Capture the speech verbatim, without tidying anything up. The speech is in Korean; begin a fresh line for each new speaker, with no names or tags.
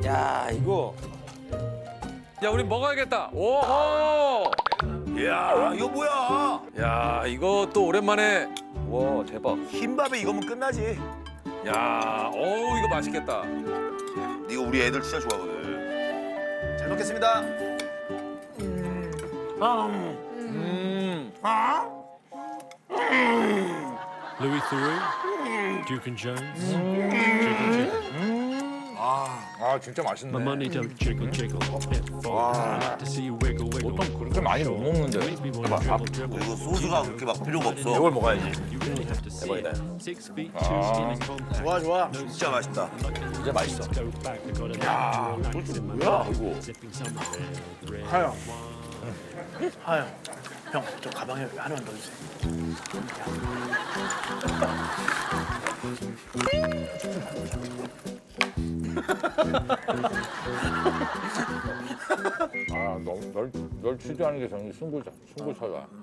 야 이거.
야 우리 먹어야겠다. 오호.
이야, 이거 뭐야?
야 이거 또 오랜만에. 와 대박.
흰밥에 이거면 끝나지.
야 어우 이거 맛있겠다.
이거 우리 애들 진짜 좋아하거든. 잘 먹겠습니다.
음.
Louis Theroux, Duke and Jones, Jiggle Jiggle.
아 진짜
My
맛있네.
money don't jiggle jiggle. It falls. I like to see you wiggle wiggle.
보통 그렇게 많이 못 먹는데.
Make me wanna dribble dribble.
이거 소스가 그렇게 막 필요가 없어.
이걸 먹어야지.
You really have to see
대박이다.
it. Six feet two skin and compact.
좋아, 좋아. 진짜 맛있다.
진짜 맛있어.
Go back. I got a natural accent in my mouth. Sipping some red, red
하영.
wine.
하영. 형, 저 가방에 하나만 넣어주세요.
아, 널, 널, 널 취재하는 게 정말 승부, 승부처다.